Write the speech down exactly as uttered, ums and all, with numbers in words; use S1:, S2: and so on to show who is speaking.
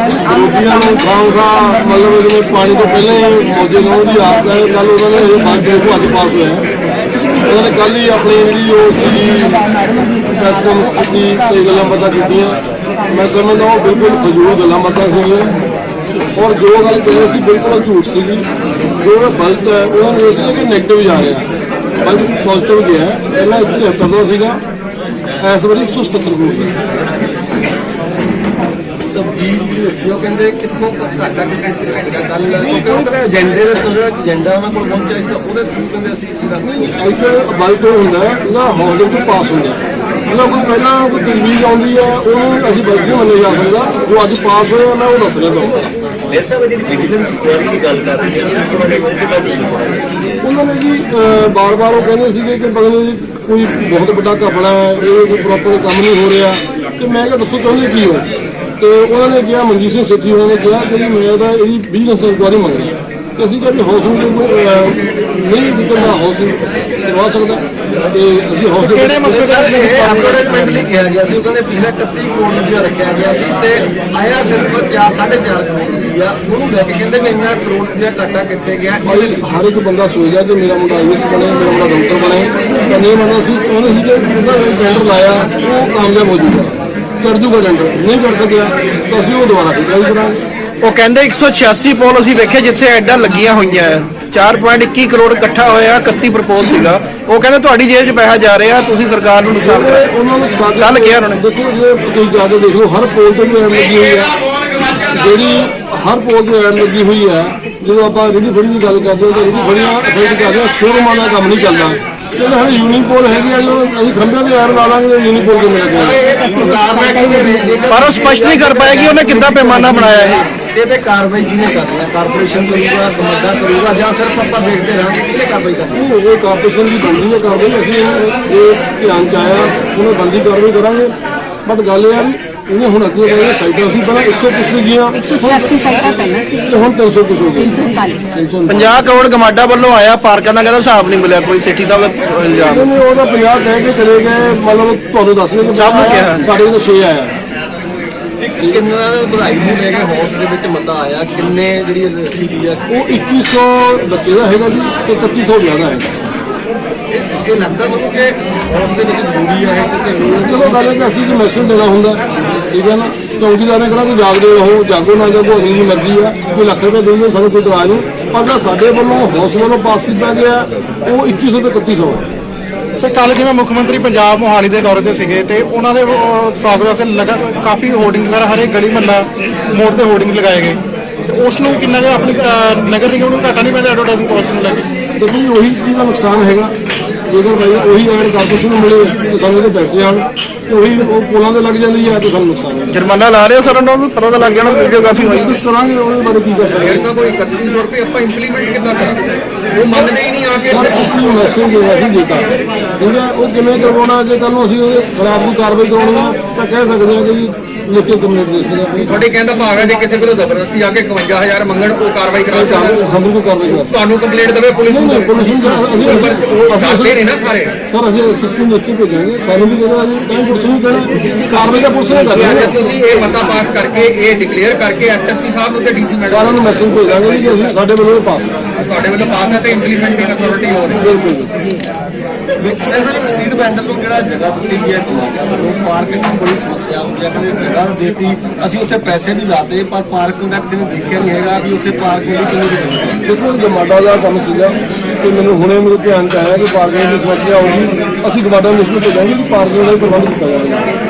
S1: रोटियां खाऊंगा मतलब जिन्हें पानी तो पहले मौजे लाने की आदत है। कल उन्होंने बाकी को अज पास हुआ उन्होंने कल ही अपनी जी प्रैस कॉन्फ्रेंस की कई गल्लां बातां कीतियां। मैं समझदा वो बिल्कुल फजूल गल्लां बातां सीगियां और जो गल कह रहे थे बिल्कुल झूठ सी। जो गलत है उन्होंने ये कि नैगेटिव जा रहा बल्कि पॉजिटिव गया। पहला एक सौ तिहत्तर का सीगा इस बार एक सौ सत्तर करोड़
S2: एजेंडे एजेंडा उन्होंने पहुंचा
S1: ਇੱਥੇ ਬਾਈਕ ਹੁੰਦਾ ਨਾ ਹੌਲੀ ਤੋਂ ਪਾਸ ਹੁੰਦਾ ਉਹਨਾਂ ਕੋਲ ਪਹਿਲਾਂ ਕੋਈ ਤਜਵੀਜ਼ ਆਉਂਦੀ ਹੈ ਉਹਨੂੰ ਅਸੀਂ ਬਲਕਿ ਨਹੀਂ ਮੰਨਿਆ ਜਾ ਸਕਦਾ। ਉਹ ਅੱਜ ਪਾਸ ਹੋਇਆ ਮੈਂ ਉਹ ਦੱਸ ਰਿਹਾ ਤੁਹਾਨੂੰ।
S3: मेरे साहब जी विजिलेंस इंक्वायरी की गल कर रहे हैं
S1: ਉਹਨਾਂ ਨੇ ਜੀ ਬਾਰ ਬਾਰ ਉਹ ਕਹਿੰਦੇ ਸੀਗੇ ਕਿ ਪਤਾ ਨਹੀਂ ਕੋਈ ਬਹੁਤ ਵੱਡਾ ਘਪਲਾ ਹੈ ਇਹ ਕੋਈ ਪ੍ਰੋਪਰ ਕੰਮ ਨਹੀਂ ਹੋ ਰਿਹਾ ਤੇ ਮੈਂ ਕਿਹਾ ਦੱਸੋ ਚਾਹੁੰਦੇ ਕੀ ਹੋ। ਤੇ ਉਹਨਾਂ ਨੇ ਕਿਹਾ ਮਨਜੀਤ ਸਿੰਘ ਸੇਠੀ ਉਹਨਾਂ ਨੇ ਕਿਹਾ ਕਿ ਜੀ ਮੈਂ ਤਾਂ ਇਹਦੀ ਵਿਜੀਲੈਂਸ ਇਨਕੁਆਇਰੀ ਮੰਗ ਰਹੀ ਤੇ ਅਸੀਂ ਕਿਹਾ ਵੀ ਹਾਊਸਿੰਗ ਨਹੀਂ ਜਿੱਦਾਂ ਹਾਊਸਿੰਗ ਕਰਵਾ ਸਕਦਾ ਤੇ ਅਸੀਂ ਹਾਊਸਿੰਗ
S2: ਕਿਹੜੇ ਮਸਲੇ ਦਾ ਐਡਵਰਟਾਈਜ਼ਮੈਂਟ ਲਈ ਕਿਹਾ ਗਿਆ ਸੀ। ਉਹ ਕਹਿੰਦੇ ਪਿਛਲੇ ਇਕੱਤੀ ਕਰੋੜ ਰੁਪਇਆ ਰੱਖਿਆ ਗਿਆ ਸੀ ਤੇ ਆਇਆ ਸਿਰਫ ਚਾਰ ਸਾਢੇ ਚਾਰ ਕਰੋੜ ਰੁਪਇਆ। ਉਹਨੂੰ ਲੈ ਕੇ ਕਹਿੰਦੇ ਵੀ ਇੰਨਾ ਕਰੋੜ ਰੁਪਇਆ ਘਾਟਾ ਕਿੱਥੇ ਗਿਆ।
S1: ਹਰ ਇੱਕ ਬੰਦਾ ਸੋਚਦਾ ਕਿ ਮੇਰਾ ਮੁੰਡਾ ਆਈਐਸ ਬਣੇ ਮੇਰਾ ਮੁੰਡਾ ਡਾਕਟਰ ਬਣੇ ਤਾਂ ਨਹੀਂ ਮੰਨਦਾ ਸੀ। ਉਹਨੇ ਸੀ ਕਿ ਉਹਦਾ ਟੈਂਡਰ ਲਾਇਆ ਉਹ ਕਾਮਯਾਬ ਹੋ ਜੂਗਾ ਚੜ ਜੂਗਾ ਟੈਂਡਰ ਨਹੀਂ ਚੜ ਸਕਿਆ ਤਾਂ ਅਸੀਂ ਉਹ ਦੁਬਾਰਾ ਟਰਾਈ ਕਰਾਂਗੇ।
S4: ਉਹ ਕਹਿੰਦੇ ਇੱਕ ਸੌ ਛਿਆਸੀ ਪੋਲ ਅਸੀਂ ਵੇਖੇ ਜਿੱਥੇ ਐਡਾ ਲੱਗੀਆਂ ਹੋਈਆਂ ਚਾਰ ਪੁਆਇੰਟ ਇੱਕੀ ਕਰੋੜ ਇਕੱਠਾ ਹੋਇਆ ਇਕੱਤੀ ਪ੍ਰਪੋਜ਼ ਸੀਗਾ। ਉਹ ਕਹਿੰਦੇ ਤੁਹਾਡੀ ਜੇਬ 'ਚ ਪੈਸਾ ਜਾ ਰਿਹਾ ਤੁਸੀਂ ਸਰਕਾਰ ਨੂੰ ਨੁਕਸਾਨ ਕਰ
S1: ਉਹਨਾਂ ਨੂੰ
S4: ਕੱਲ ਕਿਹਾ ਉਹਨਾਂ ਨੇ।
S1: ਦੇਖੋ ਜੇ ਤੁਸੀਂ ਜਾ ਕੇ ਦੇਖ ਲਓ ਹਰ ਪੋਲ ਤੇ ਵੀ ਐਡ ਲੱਗੀ ਹੋਈ ਹੈ ਜਿਹੜੀ ਹਰ ਪੋਲ ਤੇ ਐਡ ਲੱਗੀ ਹੋਈ ਹੈ। ਜਦੋਂ ਆਪਾਂ ਰੇਹੜੀ ਫੜੀ ਦੀ ਗੱਲ ਕਰਦੇ ਹਾਂ ਤਾਂ ਰੇਹੜੀ ਫੜੀਆਂ ਫੇਰ ਕਰਦੇ ਹਾਂ ਸ਼ੋਰੂਮਾਂ ਦਾ ਕੰਮ ਨਹੀਂ ਚੱਲਦਾ। ਕਹਿੰਦੇ ਹੁਣ ਯੂਨੀਪੋਲ ਹੈਗੀ ਆ ਜੋ ਅਸੀਂ ਖੰਭਿਆਂ ਤੇ ਐਡ ਲਾ ਲਾਂਗੇ ਯੂਨੀਪੋਲ ਦੇ ਮਿਲ ਜਾਏਗਾ
S4: ਪਰ ਉਹ ਸਪਸ਼ਟ ਨਹੀਂ ਕਰ ਪਾਏਗੀ ਉਹਨੇ ਕਿੱਦਾਂ ਪੈਮਾਨਾ ਬਣਾਇਆ ਇਹ।
S2: ਇਹ ਤੇ ਕਾਰਵਾਈ ਕਿਹਨੇ ਕਰਨੀ ਹੈ? ਕਾਰਪੋਰੇਸ਼ਨ ਕਰੂਗਾ ਕਮੰਡਾ ਕਰੂਗਾ ਜਾਂ ਸਿਰਫ ਆਪਾਂ ਦੇਖਦੇ ਰਹਾਂਗੇ ਕਿਹਨੇ ਕਾਰਵਾਈ ਕਰਨੀ?
S1: ਇਹ ਕਾਰਪੋਰੇਸ਼ਨ ਦੀ ਬਣਦੀ ਹੈ ਕਾਰਵਾਈ ਅਸੀਂ ਇਹ ਧਿਆਨ ਚ ਆਇਆ ਉਹਨੇ ਬੰਦੀ ਕਾਰਵਾਈ ਕਰਾਂਗੇ। ਬਟ ਗੱਲ ਇਹ ਆ ਵੀ ਇਹਨੇ ਹੁਣ ਅੱਗੇ ਕਹਿੰਦੇ ਸਾਈਡਾਂ ਸੀ ਪਹਿਲਾਂ ਇੱਕ ਸੌ ਕੁਛ ਸੀਗੀਆਂ
S5: एक सौ छियासी साइटा पहले से
S1: ਤੇ ਹੁਣ ਤਿੰਨ ਸੌ ਕੁਛ ਹੋ ਗਏ।
S5: तीन सौ उनतालीस
S4: ਪੰਜਾਹ ਕਰੋੜ ਗਮਾਡਾ ਵੱਲੋਂ ਆਇਆ ਪਾਰਕਾਂ ਦਾ ਕਹਿੰਦਾ ਹਿਸਾਬ ਨਹੀਂ ਮਿਲਿਆ ਕੋਈ ਸੇਠੀ ਦਾ ਇਲਜ਼ਾਮ।
S1: ਉਹਨੇ ਉਹਦਾ ਪੰਜਾਹ ਕਹਿ ਕੇ ਚਲੇ ਗਏ ਮਤਲਬ ਤੁਹਾਨੂੰ ਦੱਸ ਰਹੇ ਕਿ
S4: ਸਭ ਨੂੰ ਕਿਹਾ।
S1: ਸਾਡੇ ਕੋਲ ਛੇ ਆਇਆ
S2: ਕਿੰਨਾ ਵਧਾਈ ਨੂੰ ਲੈ ਕੇ ਹੌਸ ਦੇ ਵਿੱਚ ਮਤਾ ਆਇਆ ਕਿੰਨੇ ਜਿਹੜੀ ਸੀਗੀ ਆ
S1: ਉਹ ਇੱਕੀ ਸੌ ਬੱਚੇ ਦਾ ਹੈਗਾ ਜੀ ਤੇ ਇਕੱਤੀ ਸੌ ਜ਼ਿਆਦਾ ਹੈ।
S2: ਇਹ ਲੱਗਦਾ ਸਾਨੂੰ ਕਿ ਹੌਸ ਦੇ ਵਿੱਚ ਜ਼ਰੂਰੀ ਹੈ ਕਿ
S1: ਜਦੋਂ ਗੱਲ ਹੈ ਕਿ ਅਸੀਂ ਜੋ ਮੈਸੇਜ ਦੇਣਾ ਹੁੰਦਾ ਠੀਕ ਹੈ ਨਾ ਚੌਕੀਦਾਰ ਨੇ ਕਿਹੜਾ ਕਿ ਜਾਗਦੇ ਰਹੋ ਜਾਗੋ ਨਾ ਜਾਗੋ ਅਗਲੀ ਦੀ ਮਰਜ਼ੀ ਆ ਕੋਈ ਲੱਖ ਰੁਪਏ ਦੇਣਗੇ ਸਾਨੂੰ ਕੋਈ ਇਤਰਾਜ਼ ਨਹੀਂ। ਪਰ ਜਿਹੜਾ ਸਾਡੇ ਵੱਲੋਂ ਹੌਸ ਵੱਲੋਂ ਪਾਸ ਕੀਤਾ ਗਿਆ ਉਹ ਇੱਕੀ ਸੌ ਤੇ ਇਕੱਤੀ ਸੌ ਹੈ।
S6: ਸਰ ਕੱਲ੍ਹ ਜਿਵੇਂ ਮੁੱਖ ਮੰਤਰੀ ਪੰਜਾਬ ਮੋਹਾਲੀ ਦੇ ਦੌਰੇ ਤੇ ਸੀਗੇ ਤੇ ਉਹਨਾਂ ਦੇ ਸਵਾਗਤ ਵਾਸਤੇ ਲਗਾ ਕਾਫੀ ਹੋਰਡਿੰਗ ਵਗੈਰਾ ਹਰੇਕ ਗਲੀ ਮਹੱਲਾ ਮੋੜ ਤੇ ਹੋਰਡਿੰਗ ਲਗਾਏ ਗਏ ਤੇ ਉਸ ਨੂੰ ਕਿੰਨਾ ਕੁ ਆਪਣੀ ਨਗਰ ਨਿਗਮ ਨੂੰ ਘਾਟਾ ਨਹੀਂ ਪੈਂਦਾ ਐਡਵਰਟਾਈਜ਼ਿੰਗ ਕਾਸਟ ਨੂੰ ਲੈ ਕੇ?
S1: ਦੇਖੋ ਜੀ ਉਹੀ ਚੀਜ਼ ਦਾ ਨੁਕਸਾਨ ਹੈਗਾ ਜੇਕਰ ਭਾਈ ਉਹੀ ਐਡ ਕਾਰਪੋਰੇਸ਼ਨ ਨੂੰ ਮਿਲੇ ਤਾਂ ਸਾਨੂੰ ਇਹਦੇ ਪੈਸੇ ਆਉਣ ਤੇ ਉਹੀ ਉਹ ਪੁਲਾਂ ਤੇ ਲੱਗ ਜਾਂਦੀ ਹੈ ਤੇ ਸਾਨੂੰ ਨੁਕਸਾਨ ਹੈ।
S4: ਜੁਰਮਾਨਾ ਲਾ ਰਹੇ ਹੋ ਸਰ ਉਹਨਾਂ ਨੂੰ ਪਤਾ ਤਾਂ ਲੱਗ ਜਾਣਾ ਵੀਡੀਓਗ੍ਰਾਫੀ ਹੋਈ।
S1: ਡਿਸਕਸ ਕਰਾਂਗੇ ਉਹਦੇ ਬਾਰੇ ਕੀ ਕਰ ਸਕਦੇ ਹਾਂ।
S2: ਕੋਈ ਇਕੱਤੀ ਸੌ ਰੁਪਏ ਆਪਾਂ ਇੰਪਲੀਮੈਂਟ ਕਿੱਦਾਂ ਕਰਾਂਗੇ? ਉਹ ਮੰਨਦੇ ਹੀ ਨਹੀਂ ਆ ਕੇ
S1: ਸਰ ਅਸੀਂ ਮੈਸੇਜ ਦੇਣਾ ਸੀ ਦਿੱਤਾ ਠੀਕ ਹੈ ਉਹ ਕਿਵੇਂ ਕਰਵਾਉਣਾ ਜੇ ਕੱਲ ਨੂੰ ਅਸੀਂ ਉਹਦੇ ਖਿਲਾਫ ਨੂੰ ਕਾਰਵਾਈ ਕਰਾਉਣੀ ਆ ਤਾਂ ਕਹਿ ਸਕਦੇ ਹਾਂ ਕਿ ਜੀ ਲਿਖ ਕੇ ਕੰਪਲੇਂਟ ਦੇ ਸਕਦੇ ਹਾਂ।
S2: ਤੁਹਾਡੇ ਕਹਿੰਦਾ ਭਾਵ ਹੈ ਜੇ ਕਿਸੇ ਕੋਲੋਂ ਜ਼ਬਰਦਸਤੀ ਆ ਕੇ ਇਕਵੰਜਾ ਹਜ਼ਾਰ ਮੰਗਣ ਉਹ ਕਾਰਵਾਈ ਕਰਾ ਸਕਦਾ
S1: ਹਮ ਨੂੰ ਕਾਰਵਾਈ ਕਰਾ
S2: ਤੁਹਾਨੂੰ ਕੰਪਲੇਂਟ ਦੇਵੇ ਪੁਲਿਸ ਨੂੰ
S1: ਪੁਲਿਸ ਨੂੰ
S2: ਕਰਦੇ ਨੇ ਨਾ ਸਾਰੇ
S1: ਸਰ ਅਸੀਂ ਸਿਸਟਮ ਦੇਖ ਕੇ ਭੇਜਾਂਗੇ ਸਾਨੂੰ ਵੀ ਕਹਿੰਦਾ ਅਸੀਂ ਤਾਂ ਪੁਲਿਸ ਨੂੰ ਕਹਿਣਾ ਕਾਰਵਾਈ ਦਾ ਪੁਲਿਸ ਨੇ ਕਰਨੀ
S2: ਜੇ
S1: ਹੈ।
S2: ਤੁਸੀਂ ਇਹ ਮਤਾ ਪਾਸ ਕਰਕੇ ਇਹ ਡਿਕਲੇਅਰ ਕਰਕੇ ਐਸਐਸਪੀ ਸਾਹਿਬ ਨੂੰ ਤੇ ਡੀਸੀ ਮੈਡਮ
S1: ਸਾਰਿਆਂ ਨੂੰ ਮੈਸੇਜ ਭੇਜਾਂਗੇ ਕਿ ਅਸੀਂ ਸਾਡੇ ਵੱਲੋਂ ਇਹ ਪਾਸ
S2: ਤੁਹਾਡੇ ਵੱਲੋਂ ਪਾਸ ਹੈ ਤੇ ਇੰਪਲੀਮੈਂਟਿੰਗ ਅਥਾਰਟੀ ਹੋ ਰਹੀ
S1: ਬਿਲਕੁਲ
S2: ਸਰ ਸਟਰੀਟ ਵੈਂਡਰ ਨੂੰ ਜਿਹੜਾ ਜਗ੍ਹਾ ਦਿੱਤੀ ਗਈ ਹੈ ਸਾਨੂੰ ਪਾਰਕਿੰਗ ਦੀ ਬੜੀ ਸਮੱਸਿਆ ਹੁੰਦੀ ਹੈ ਕਿ ਜਗ੍ਹਾ ਦਿੱਤੀ ਅਸੀਂ ਉੱਥੇ ਪੈਸੇ ਵੀ ਲਾਤੇ ਪਰ ਪਾਰਕਿੰਗ ਦਾ ਕਿਸੇ ਨੇ ਦੇਖਿਆ ਨਹੀਂ ਹੈਗਾ ਵੀ ਉੱਥੇ ਪਾਰਕਿੰਗ ਦੀ ਕਿੰਨੀ ਜ਼ਰੂਰਤ ਹੈ।
S1: ਦੇਖੋ ਗਮਾਡਾ ਦਾ ਕੰਮ ਸੀਗਾ ਕਿ ਮੈਨੂੰ ਹੁਣੇ ਮੇਰੇ ਧਿਆਨ ਚ ਆਇਆ ਕਿ ਪਾਰਕਿੰਗ ਦੀ ਸਮੱਸਿਆ ਹੋਊਗੀ ਅਸੀਂ ਗਮਾਡਾ ਨੂੰ ਲਿਸਟ ਭੇਜਾਂਗੇ ਕਿ ਪਾਰਕਿੰਗ ਦਾ ਵੀ ਪ੍ਰਬੰਧ ਕੀਤਾ ਜਾਵੇਗਾ।